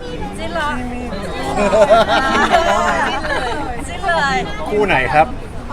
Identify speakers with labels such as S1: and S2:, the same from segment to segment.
S1: จิ้นเหรอจิ้นเลย
S2: คู่ไหนครับ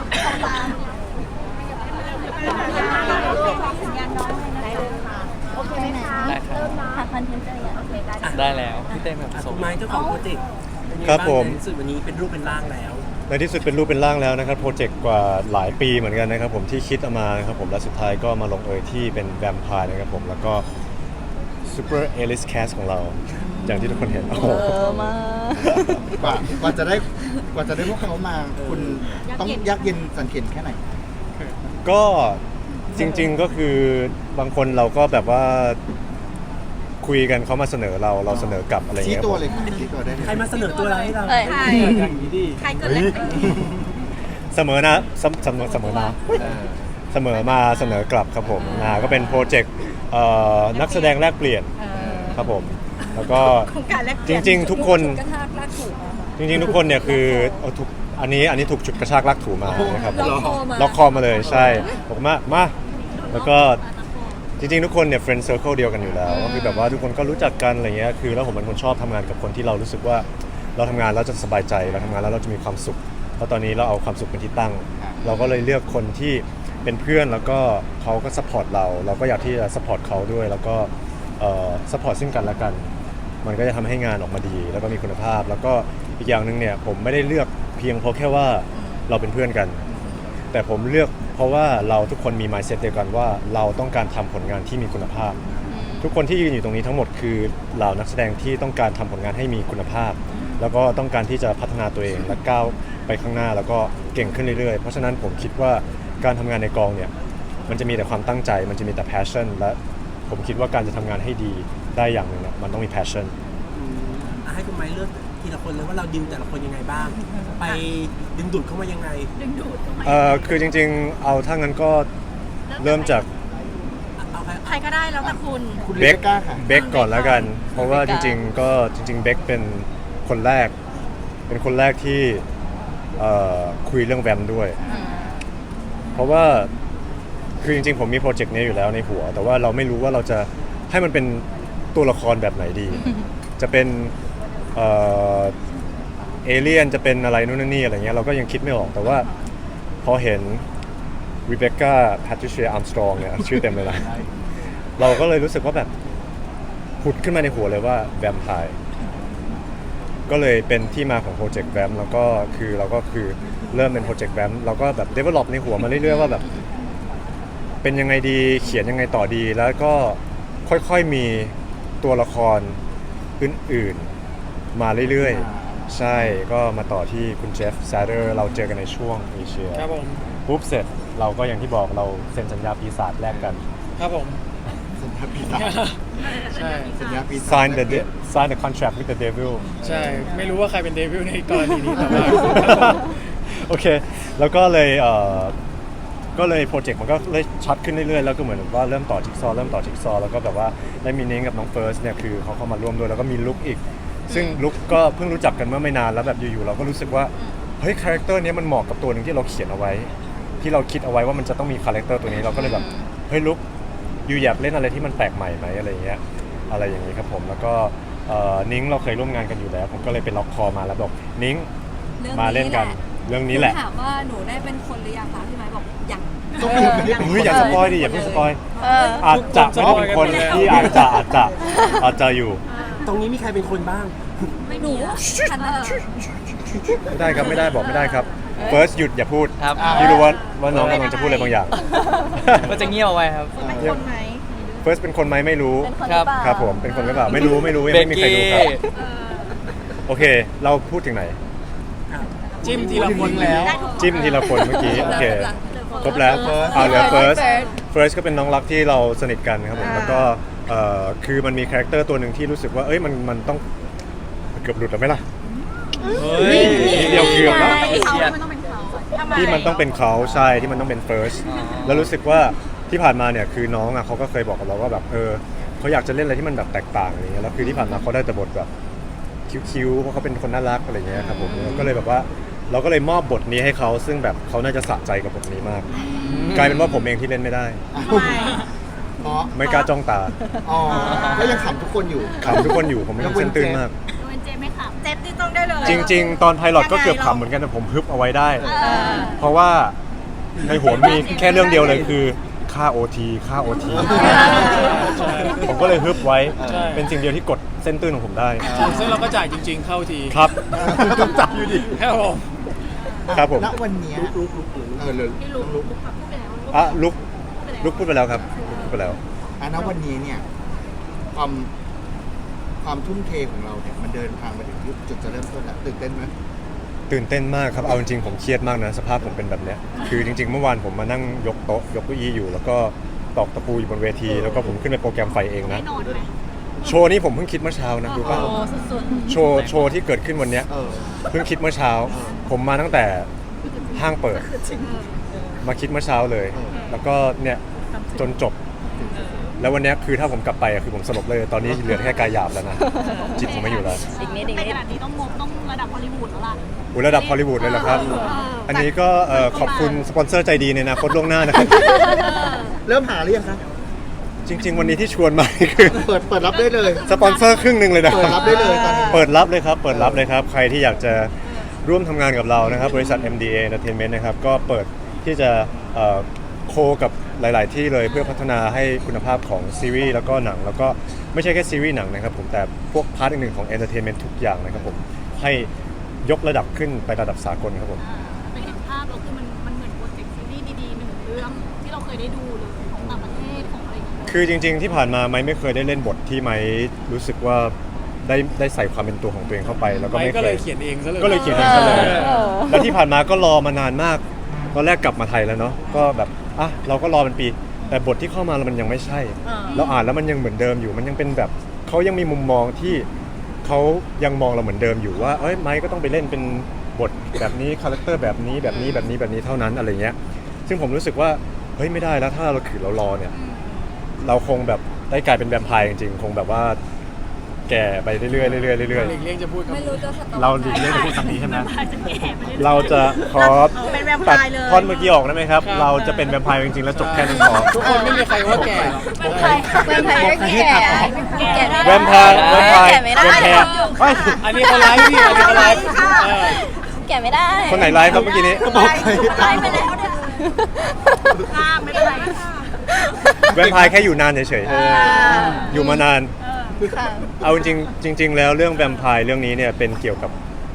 S3: ได้ครับ
S1: ทางคอนเทนต์เจออย่างโอเคได้
S3: ได้แล้วพี่เต้แบบส่ง
S4: คุณไม้เจ้าของโปรเจกต์เป็นยังไง
S2: ครับ
S4: บ้าง
S2: ผม
S4: ในที่สุดวันนี้เป็นรูปเป็นร่างแล้ว
S2: ในที่สุดเป็นรูปเป็นร่างแล้วนะครับโปรเจกต์กว่าหลายปีเหมือนกันนะครับผมที่คิดเอามานะครับผมและสุดท้ายก็มาลงเอยที่เป็นแวมไพร์นะครับผมแล้วก็ซูเปอร์เอลิสแคสของเราอย่างที่ทุกคนเห็นโอ้โห
S5: กว่าจะได้พวกเขามาคุณต้องยากเย็นสันเข็ญแค่ไหน
S2: ก็จริงๆก็คือบางคนเราก็แบบว่าคุยกันเขามาเสนอเราเสนอกลับอะไรอย่าง
S5: ชี้
S2: เงี้ย
S5: ตัวเลยค่ะชี้ตัวได้เลย
S4: ใครมาเสนอตัวเราให้เรา
S1: เอ้ย
S4: อย่างนี้ดิ
S1: ใครเกิดอะไรขึ้น
S2: เสมอนะเสมอนะเสมอมาเสนอกลับครับผมก็เป็นโปรเจกต์นักแสดงแลกเปลี่ยนครับผมแล้วก็
S1: โครงการแรก
S2: จริงๆทุกคนจริงๆทุกคนเนี่ยคือเอาทุกอันนี้ถูกฉุดกระชากลากถูมานะครับล็อกคอมาเลยใช่บอกมาแล้วก็จริงๆทุกคนเนี่ย friend circle เดียวกันอยู่แล้วก็คือแบบว่าทุกคนก็รู้จักกันอะไรเงี้ยคือแล้วผมเป็นคนชอบทำงานกับคนที่เรารู้สึกว่าเราทำงานแล้วจะสบายใจเราทำงานแล้วเราจะมีความสุขเพราะตอนนี้เราเอาความสุขเป็นที่ตั้ง เราก็เลยเลือกคนที่เป็นเพื่อนแล้วก็เขาก็ซัพพอร์ตเราก็อยากที่จะซัพพอร์ตเขาด้วยแล้วก็ซัพพอร์ตซึ่งกันและกันมันก็จะทำให้งานออกมาดีแล้วก็มีคุณภาพแล้วก็อีกอย่างหนึ่งเนี่ยผมไม่ได้เลือกเพียงเพราะแค่ว่าเราเป็นเพื่อนกัน แต่ผมเลือกเพราะว่าเราทุกคนมี mindset เดียวกันว่าเราต้องการทำผลงานที่มีคุณภาพ ทุกคนที่ยืนอยู่ตรงนี้ทั้งหมดคือเหล่านักแสดงที่ต้องการทำผลงานให้มีคุณภาพ แล้วก็ต้องการที่จะพัฒนาตัวเองและก้าวไปข้างหน้าแล้วก็เก่งขึ้นเรื่อยๆเพราะฉะนั้นผมคิดว่าการทำงานในกองเนี่ยมันจะมีแต่ความตั้งใจมันจะมีแต่ passion และผมคิดว่าการจะทำงานให้ดีได้อย่างหนึ่งเนี่ยมันต้องมี passion
S4: ให้คุณไม้เลือกทีละคนเลยว่าเราดิวแต่ละคนยังไงบ้าง ไปดึงดูดเข้ามายังไง
S2: คือจริงๆเอาถ้างั้นก็เริ่มจาก
S4: เอาใคร
S1: ใครก็ได้แล้วแต่คุณ
S5: คุณ
S2: เบ
S5: เล็
S2: ค
S5: กกล้าค่ะ
S2: เบคก่อนแล้วกัน เพราะว่าจริงๆก็จริงๆเบคเป็นคนแรกที่คุยเรื่องแวมด้วย เพราะว่าคือจริงๆผมมีโปรเจกต์นี้อยู่แล้วในหัว แต่ว่าเราไม่รู้ว่าเราจะให้มันเป็นตัวละครแบบไหนดี จะเป็นเอเลี่ยนจะเป็นอะไรนู่นนี่อะไรเงี้ยเราก็ยังคิดไม่ออกแต่ว่าพอเห็น Rebecca Patricia Armstrong เนี่ยชื่อเต็มเลยนะเราก็เลยรู้สึกว่าแบบผุดขึ้นมาในหัวเลยว่าแวมไพร์ก็เลยเป็นที่มาของโปรเจกต์แวมแล้วก็คือเราก็คือเริ่มเป็นโปรเจกต์แวมเราก็แบบ develop ในหัวมาเรื่อยๆว่าแบบเป็นยังไงดีเขียนยังไงต่อดีแล้วก็ค่อยๆมีตัวละครอื่นๆมาเรื่อยๆใช่ก็มาต่อที่คุณเจฟซาเดอร์เราเจอกันในช่วงเอเชีย
S3: ครับผม
S2: ปุ๊บเสร็จเราก็อย่างที่บอกเราเซ็นสัญญาปีศาจแลกกัน
S3: ครับผม
S5: สัญญาปีศาจ
S3: ใช่
S5: สัญญาปีศาจ
S2: sign the contract with the devil
S3: ใช่ไม่รู้ว่าใครเป็นเดวิลในกรณีนี้แต่ว่า
S2: โอเค แล้วก็เลยโปรเจกต์มันก็เลยชัดขึ้นเรื่อยๆ แล้วก็เหมือนว่าเริ่มต่อจิ๊กซอว์แล้วก็แบบว่าได้มีนิ้งกับน้องเฟิร์สเนี่ยคือเขาเข้ามาร่วมด้วยแล้วก็มีลุคอีก ซึ่งลุคก็เพิ่งรู้จักกันเมื่อไม่นานแล้วแบบอยู่ๆเราก็รู้สึกว่าเฮ้ยคาแรคเตอร์นี้มันเหมาะกับตัวหนึ่งที่เราเขียนเอาไว้ ที่เราคิดเอาไว้ว่ามันจะต้องมีคาแรคเตอร์ตัวนี้เราก็เลยแบบเฮ้ยลุคอยู่อยากเล่นอะไรที่มันแปลกใหม่ไหมอะไรอย่างเงี้ยครับผมแล้วก็นิ้งเราเคยร่วมงานกันอยู่แล้วผมก็เลยเป็นล็อกคอมาแล้วบอกนิ้งมาเล่นกันเรื่องนี้แหละ
S6: ถามว่าหนูได้เป็นคนหรือยังคะพี่ไม้บอกยัง
S5: ต้องมีคนที่
S2: เฮ้ยอย่าสปอยดิอย่าเพิ่งสปอย
S1: เออ
S2: อาจจะไม่ได้เป็นคนที่อาจจะอยู่
S4: ตรงนี้มีใครเป็นคนบ้าง
S6: ไม่มีอะขนาด
S2: ไม่ได้ครับไม่ได้บอกไม่ได้ครับ first หยุดอย่าพูด
S3: ครับ
S2: พี่รู้ว่าน้องกำลังจะพูดอะไรบางอย่าง
S3: ก็จะเงียบเอาไว้ครับ
S1: เป็นคนไหม
S2: first เป็นคนไหมไม่รู้
S1: เป็นคน
S3: ครับ
S1: หอเปล่า
S2: ครับผมเป็นคนหรือเปล่าไม่รู้ยังไม่มีใครรู้ครับโอเค เราพูดถึงไหน
S3: จิ้มทีละคนแล้ว
S1: ได้ทุกคน
S2: จิ้มทีละคนเมื่อกี้โอเคครบแล้วเหลือ first ก็เป็นน้องรักที่เราสนิทกันครับผมแล้วก็คือมันมีคาแรคเตอร์ตัวหนึ่งที่รู้สึกว่าเอ้ยมันต้องเกือบหลุดแล้วไหมล่ะ
S3: เฮ้ย
S2: นิดเดียวเกือบแล้ว
S1: ทำไม
S2: ที่มันต้องเป็นเขาใช่ที่มันต้องเป็น first แล้วรู้สึกว่าที่ผ่านมาเนี่ยคือน้องอ่ะเขาก็เคยบอกกับเราว่าแบบเขาอยากจะเล่นอะไรที่มันแบบแตกต่างอะไรเงี้ยแล้วคือที่ผ่านมาเขาได้แต่บทแบบคิ้วๆเพราะเขาเป็นคนน่ารักอะไรเงี้ยครับผมก็เลยแบบว่าเราก็เลยมอบบทนี้ให้เขาซึ่งแบบเขาน่าจะสะใจกับบทนี้มาก กลายเป็นว่าผมเองที่เล่นไม่ได้
S1: ทำไม
S5: เพราะ
S2: ไม่กล้าจ้องตา
S5: อ๋อก็ยังขำทุกคนอยู่
S2: ขำทุกคนอยู่ผมไม่ต้องเส้นตื้นมาก
S1: งั้นเจไม่ขำเจที่ต้องได้เลย
S2: จริง ๆ ตอนไพลอตก็เกือบขำเหมือนกันแต่ผมฮึบเอาไว้ได้ เพราะว่าในหัวมีแค่เรื่องเดียวเลยคือค่า OT ค่า OT ผมก็เลยฮึบไว้
S3: ใช่
S2: เป็นสิ่งเดียวที่กดเส้นตื้นของผมได้
S3: ซึ่งเราก็จ่ายจริง ๆ เข้าที
S2: ครับ
S5: ต้องจับอยู่ดิ
S3: ครับผม
S2: ครับผม
S5: ณวันเนี้ยเลย
S1: พี่ลุกขับพูดไปแล้ว
S2: อ่ะลุกพูดไปแล้วครับลุกพูดไปแล้ว
S5: ณวันนี้เนี่ยความทุ่มเทของเราเนี่ยมันเดินทางมาถึงจุดจะเริ่มต้นแล้วตื่นเต้นไหม
S2: ตื่นเต้นมากครับ เอาจริงๆผมเครียดมากนะสภาพผมเป็นแบบเนี้ยคือจริงๆเมื่อวานผมมานั่งยกโต๊ะยกเก้าอี้อยู่ แล้วก็ตอกตะปูอยู่บนเวที แล้วก็ผมขึ้นไปโปรแกรมไฟเองนะ
S1: ไม่นอนไหม
S2: โชว์นี้ผมเพิ่งคิดเมื่อเช้านะรู้ป่ะ
S1: โอ้สุด
S2: โชว์ที่เกิดขึ้นวันเนี้ย เพิ่งคิดเมื่อเช้า ผมมาตั้งแต่ห้างเปิด มาคิดเมื่อเช้าเลย แล้วก็เนี่ยจนจบ แล้ววันเนี้ยคือถ้าผมกลับไปอะคือผมสลบเลย ตอนนี้เหลือแค่กายหยาบแล้วนะ จิตผมไม่อยู่แล้ว
S6: อีกนิดอีก
S1: ใน
S6: นิ
S1: ข
S6: ด
S1: ณะนี้ต้องระดับฮอลลีวูดแล้วล่ะ
S2: อุยระดับฮอลลีวูดเลยเหรอครับ อันนี้ก็ขอบคุณสปอนเซอร์ใจดีในอนาคตล่วงหน้านะครับ
S5: เริ่มหาหรือยังคะ
S2: จริง ๆ วันนี้ที่ชวนมาคือ
S5: เปิดรับได้เลย
S2: สปอนเซอร์ครึ่งหนึ่งเลยนะ
S5: เปิดรับได้เลยตอนนี้
S2: เปิดรับเลยครับ เปิดรับเลยครับ ใครที่อยากจะร่วมทำงานกับเรานะครับ บริษัท MDA Entertainment นะครับ ก็เปิดที่จะโคกับหลาย ๆ ที่เลยเพื่อพัฒนาให้คุณภาพของซีรีส์แล้วก็หนัง แล้วก็ไม่ใช่แค่ซีรีส์หนังนะครับผมแต่พวกพาร์ทอื่นๆของ Entertainment ทุกอย่างนะครับผมให้ยกระดับขึ้นไประดับสากลครับผม
S1: ไปเห็นภาพแล้วคือมันเหมือนโปรเจกต์ซีรีส์ดีๆหนึ่งเรื่องที่เราเคยได้ดูเลยของต่างประเทศของอะไรอย่างเงี้ย
S2: คือจริง ๆ ที่ผ่านมาไม้ไม่เคยได้เล่นบทที่ไม้รู้สึกว่าได้ใส่ความเป็นตัวของตัวเองเข้าไป แล้วก็
S3: ไม่
S2: ไม่
S3: ก็
S2: เค
S3: เลย ยเขียนเองซะเลย
S2: ก็เลยเขียนเองซะเลย แล้วที่ผ่านมาก็รอมานานมาก ตอนแรกกลับมาไทยแล้วเนาะ ก็แบบอ่ะเราก็รอเป็นปี แต่บทที่เข้ามาแล้วมันยังไม่ใช่ เราอ่านแล้วมันยังเหมือนเดิมอยู่ มันยังเป็นแบบเขายังมีมุมมองที่เขายังมองเราเหมือนเดิมอยู่ว่า เอ้ยไม้ก็ต้องไปเล่นเป็นบทแบบนี้ คาแรคเตอร์แบบนี้แบบนี้แบบนี้แบบนี้เท่านั้นอะไรเงี้ย ซึ่งผมรู้สึกว่า เฮ้ยไม่ได้แล้วถ้าเราขืนเรารอเนี่ย เราคงแบบได้กลายเป็นแวมไพร์จริงๆ คงแบบว่าแก่ไปเรื่อยๆเรื่อยๆเรื่อย
S3: หลีกเลี่ยงจะพูดคำ
S6: ไม่
S3: นี้
S6: รู้จะสต็อป
S2: ๆเราหลีกเลี่ยงจะพูดคำนี้ใช่ไหม
S1: จะแก่ไปเรื่อยๆ
S2: เราจะขอ
S1: เป็นแวมไพ
S2: ตัด
S1: ร์เลย
S2: ท่อนเมื่อกี้ออกได้ไหมครับ
S3: ครับ
S2: เราจะเป็นแวมไพร์จริงๆ แล้วจบแค่นั้นพอ
S3: ทุกคนไม่มีใครว่าแก่หรอก
S6: แวมไพร์ก็แก่แก่ได้
S2: แวมไพร์แวมไพร์
S6: แก่ไม่ได้
S2: แวมไพร์เฮ้ย
S3: อันนี้เขาไลฟ์พี่อันนี้เขาไลฟ์เออ
S6: แก่ไม่ได้
S2: คนไหนไลฟ์ครับเมื่อกี้นี้
S6: ไลฟ์ไปแล้วเนี่ย
S1: ข้ามไม่เป็นไรค่ะ
S2: แวมไพร์แค่อยู่นานเฉยๆ อยู่มานาน
S6: ค่ะ
S2: เอาจริงๆแล้วเรื่องแวมไพร์เรื่องนี้เนี่ยเป็นเกี่ยวกับ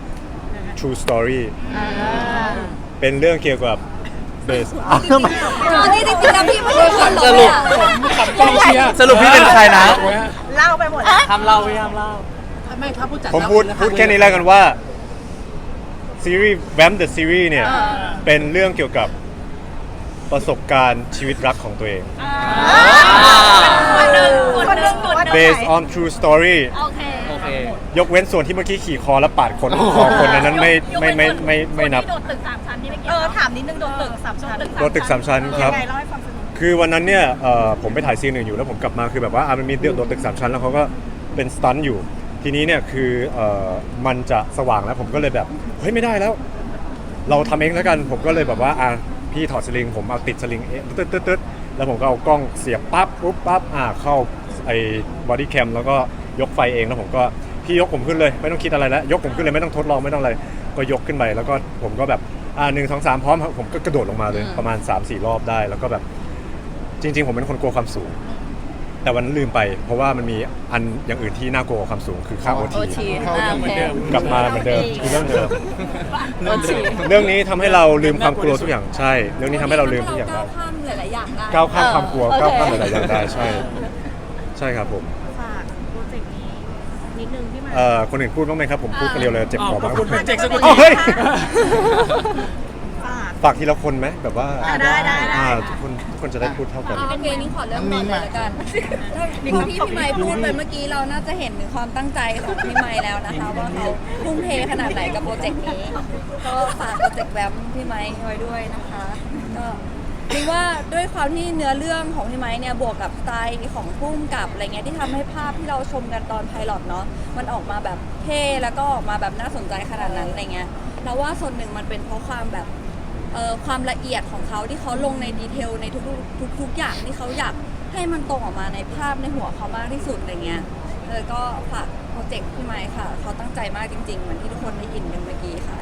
S2: true story เป็นเรื่องเกี่ยวกับ base
S6: อันนี้จริงๆแล้วพี่ไม่ใช่คนหรอกเนี่ย
S3: ขับกองเชียร์
S7: สรุปพี่เป็นใครนะ
S1: เล่าไปหมด
S3: ทำเล่าพี่ทำเล่า
S4: ไม่ครับผู้จัด
S2: ผมพูดแค่นี้แล้วกันว่าซีรีส์แวม The Series เนี่ยเป็นเรื่องเกี่ยวกับประสบการณ์ชีวิตรักของตัวเอง
S1: คนหนึ่ง
S2: based on true story
S1: โอเค
S7: โอเค
S2: ยกเว้นส่วนที่เมื่อกี้ขี่คอและปาดคนคอคนนั้นไม่นับ
S1: โดดตึก3 ชั้นนี่ไม่เกี่ยวถามนิดนึงโดดตึก3 ชั้น
S2: โดนตึก3 ชั้นครับ
S1: ยังไงเล่าให้ฟังสักนิด
S2: คือวันนั้นเนี่ยผมไปถ่ายซีนหนึ่งอยู่แล้วผมกลับมาคือแบบว่ามันมีโดนตึก3 ชั้นแล้วเขาก็เป็นสตันท์อยู่ ทีนี้เนี่ยคือมันจะสว่างแล้วผมก็เลยแบบเฮ้ยไม่ได้แล้ว เราทำเองแล้วกันผมก็เลยแบบว่าพี่ถอดสลิงผมเอาติดสลิงตึ๊ดแล้วผมก็เอากล้องเสียบปั๊บปุ๊บปั๊บเข้าไอ้บอดี้แคมแล้วก็ยกไฟเองแล้วผมก็พี่ยกผมขึ้นเลยไม่ต้องคิดอะไรแล้วยกผมขึ้นเลยไม่ต้องทดลองไม่ต้องอะไรก็ยกขึ้นไปแล้วก็ผมก็แบบ1 2 3พร้อมผมก็กระโดดลงมาเลยประมาณ 3-4 รอบได้แล้วก็แบบจริงๆผมเป็นคนกลัวความสูงแต่วันนั้นลืมไปเพราะว่ามันมีอันอย่างอื่นที่น่ากลัวกว่าความสูงคือค่า OT
S6: โอทีโอเค
S2: กลับมาเหมือนเดิมคือเรื่องเดิม
S6: โอที
S2: เรื่องนี้ทำให้เราลืมความกลัวทุกอย่างใช่ เรื่องนี้ทำให้เราลืมทุกอย่าง
S6: ก้า
S2: ได้
S6: วข้ามหลายๆอย่างได้
S2: ก้าวข้ามความกลัว
S6: โอเค
S2: ก้าวข้ามหลายๆอย่างได้ใช่ ใช่ครับผม
S1: ฝากโปรเจกต์นี้นิดนึงพี่หมาย
S2: คนอื่นพูดบ้างไหมครับผมพูดคนเดียวเลยเจ็บคอมาก
S3: คุณเป็นเจ็กสกุล
S2: อ้าวเฮ้ย
S1: ฝาก
S2: ฝากทีละคนไหมแบบว่า
S1: ได้
S2: ทุกคนจะได้พูดเท่ากัน
S6: โอเคนี่ขอเริ่มก่อนเลยละกันพอที่พี่ไมค์พูดไปเมื่อกี้เราน่าจะเห็นถึงความตั้งใจของพี่ไมค์แล้วนะคะว่าเขาทุ่มเทขนาดไหนกับโปรเจกต์นี้ก็ฝากโปรเจกต์แวมพี่ไมค์ไว้ด้วยนะคะก็คิดว่าด้วยความที่เนื้อเรื่องของพี่ไมค์เนี่ยบวกกับสไตล์ของพุ่มกับอะไรเงี้ยที่ทำให้ภาพที่เราชมกันตอนไพลอตเนาะมันออกมาแบบเท่แล้วก็ออกมาแบบน่าสนใจขนาดนั้นอะไรเงี้ยเราว่าส่วนหนึ่งมันเป็นเพราะความแบบความละเอียดของเขาที่เขาลงในดีเทลในทุกอย่างที่เขาอยากให้มันตรงออกมาในภาพในหัวเขามากที่สุดอะไรเงี้ยเลยก็ฝากโปรเจกต์พี่ไมค์ค่ะเขาตั้งใจมากจริงๆเหมือนที่ทุกคนได้ยินกันเมื่อกี้ค่ะ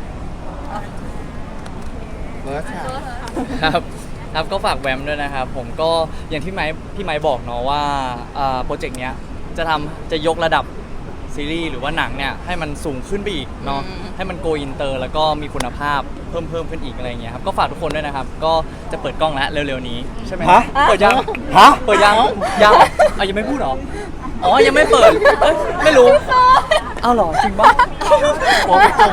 S5: เบิร์ดค่ะ
S7: ครับครับก็ฝากแวมด้วยนะครับผมก็อย่างที่พี่ไม้บอกเนาะว่าโปรเจกต์เนี้ยจะยกระดับซีรีส์หรือว่าหนังเนี่ยให้มันสูงขึ้นไปอีกเนาะให้มันโกอินเตอร์แล้วก็มีคุณภาพเพิ่มขึ้นอีกอะไรเงี้ยครับก็ฝากทุกคนด้วยนะครับก็จะเปิดกล้องแล้วเร็วๆนี้ใช่ไหม
S2: ฮะ
S7: เปิดยัง
S2: ฮะ
S7: เปิดยังยังไม่พูดเหรออ๋อยังไม่เปิดเอ้ยไม่รู้เอาเหรอจริงปะ
S5: โอ้ยตรง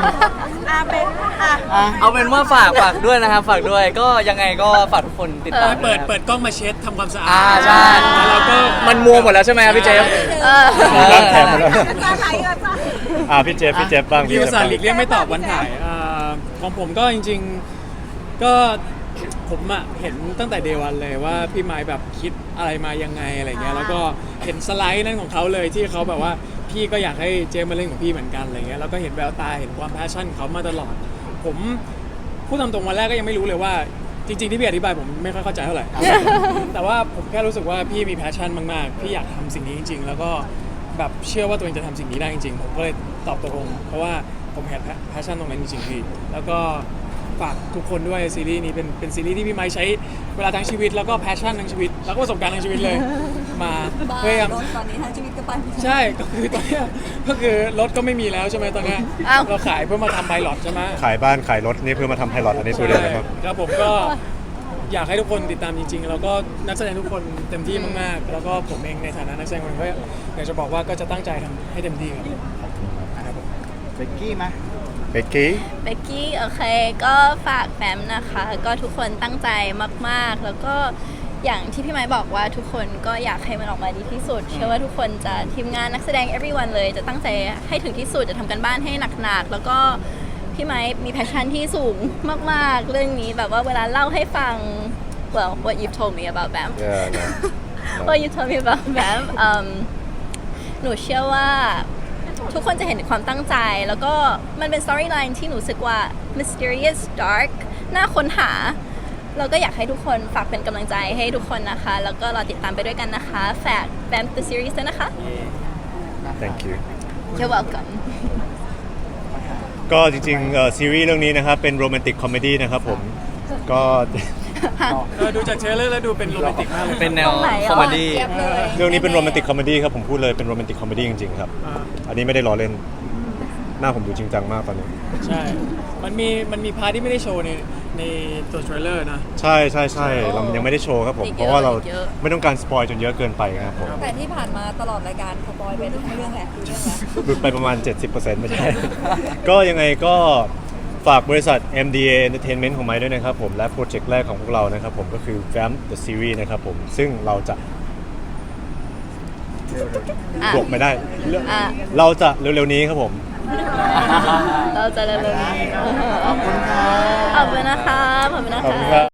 S7: เอาเป็นว่าฝากด้วยนะครับฝากด้วยก็ยังไงก็ฝากทุกคนติดตาม
S3: เปิด
S7: นะครับ
S3: เปิดกล้องมาเช็ดทำความสะอาด
S7: ใช่
S3: แล้วเราก็
S7: มันมัวหมดแล้วใช่ไหมครับพี่เจฟ
S2: ร่างแขนหมดแล้ว
S1: จะไหลก็จะ
S2: พี่เจฟบ้าง
S3: พี่
S2: เจ
S3: อุ
S2: ฟ
S3: ตส่า
S2: บ้าง
S3: ห์หลีกเลี่ยงไม่ตอบวันถ่ายของผมก็จริงๆก็ผมอะเห็นตั้งแต่เดวันเลยว่าพี่ไม้แบบคิดอะไรมายังไงอะไรเงี้ยแล้วก็เห็นสไลด์นั่นของเขาเลยที่เขาแบบว่าพี่ก็อยากให้เจมมาเล่นของพี่เหมือนกันอะไรเงี้ยแล้วก็เห็นแววตาเห็นความแพชชั่นของเขามาตลอดผมพูดตามตรงวันแรกก็ยังไม่รู้เลยว่าจริงๆที่พี่อธิบายผมไม่ค่อยเข้าใจเท่าไหร่ แต่ว่าผมแค่รู้สึกว่าพี่มีแพชชั่นมากๆพี่อยากทำสิ่งนี้จริงๆแล้วก็แบบเชื่อว่าตัวเองจะทำสิ่งนี้ได้จริงๆผมก็เลยตอบตกลงเพราะว่าผมเห็นแพชชั่นตรงนั้นจริงๆพี่แล้วก็ฝากทุกคนด้วยซีรีส์นี้เป็นซีรีส์ที่พี่ไม้ใช้เวลาทั้งชีวิตแล้วก็แพชชั่นทั้งชีวิตแล้วก็ประสบการณ์ทั้งชีวิตเลยมา
S6: บ้า
S3: พยายาม
S6: รถตอนนี้ทั้งชีวิตก็ไปไม่ได้
S3: ใช่ก็คือตอนเนี้ยก็คือรถก็ไม่มีแล้วใช่ไหมตอนเนี้ย
S6: อ้าว
S3: เราขายเพื่อมาทำไพลอตใช่ไหม
S2: ขายบ้านขายรถนี่เพื่อมาทำไพลอตอันนี้ตัวเดียวเลยครับ
S3: ครับผมก็อยากให้ทุกคนติดตามจริงๆแล้วก็นักแสดงทุกคนเต็มที่มากๆแล้วก็ผมเองในฐานะนักแสดงคนหนึ่งก็อยากจะบอกว่าก็จะตั้งใจทำให้เต็มที่ครับผม
S5: เบกกี้ไหม
S2: เบกกี้
S8: เบกกี้โอเคก็ฝากแฟมนะคะ ก็ทุกคนตั้งใจมากๆ แล้วก็อย่างที่พี่ไม้บอกว่าทุกคนก็อยากให้มันออกมาดีที่สุด เชื่อว่าทุกคนจะทีมงานนักแสดง everyone เลยจะตั้งใจให้ถึงที่สุดจะทำกันบ้านให้หนักๆแล้วก็พี่ไม้มีแพชชั่นที่สูงมากๆ เรื่องนี้แบบว่าเวลาเล่าให้ฟัง well what you've told me about Bam what you told me about Bam หนูเชื่อว่าทุกคนจะเห็นถึงความตั้งใจแล้วก็มันเป็น storyline ที่หนูรู้สึกว่า mysterious dark น่าค้นหาเราก็อยากให้ทุกคนฝากเป็นกำลังใจให้ทุกคนนะคะ แล้วก็รอติดตามไปด้วยกันนะคะฝาก Bam the series ด้วยนะคะ
S2: thank you
S8: You're welcome
S2: ก็จริงๆซีรีส์เรื่องนี้นะครับเป็นโรแมนติกคอมเมดี้นะครับผมก็
S3: ดูจากเทรลเลอร์แล้วดูเป็นโรแมนติกมากเลย
S7: เป็นแนว
S8: ตรงไหนอ่ะ
S7: คอมเมดี้
S6: เทียบเลย
S2: เรื่องนี้เป็นโรแมนติกคอมเมดี้ครับผมพูดเลยเป็นโรแมนติกคอมเมดี้จริงๆครับ อันนี้ไม่ได้ล้อเล่นหน้าผมดูจริงจังมากตอนนี้
S3: ใช่มันมีพาร์ทที่ไม่ได้โชว์ในตัวเทรลเลอร์นะ
S2: ใช่เรายังไม่ได้โชว์ครับผม
S8: อีกเยอะ
S2: เพราะว่าเรา
S8: อีกเยอะ
S2: ไม่ต้องการสปอยจนเยอะเกินไปครับผม
S6: แต่ที่ผ่านมาตลอดรายการสปอยไปทุกเรื่องแหละทุกเรื่องแหละ
S2: หลุดไปประมาณ 70%ไม่ใช่ ก็ยังไงก็ฝากบริษัท MDA Entertainment ของไม้ด้วยนะครับผมและโปรเจกต์แรกของพวกเรานะครับผมก็คือ Vamp the Series นะครับผมซึ่งเราจะ
S8: อ่ะ
S2: บวกไม่ได้
S8: อ่ะ
S2: เราจะเร็วๆนี้ครับผม
S8: เราจะเร็วๆนี้
S5: ขอบคุณค่ะ
S8: ขอบคุณนะคะขอบคุณนะ
S2: ขอบคุณ
S8: คะ
S2: ครับ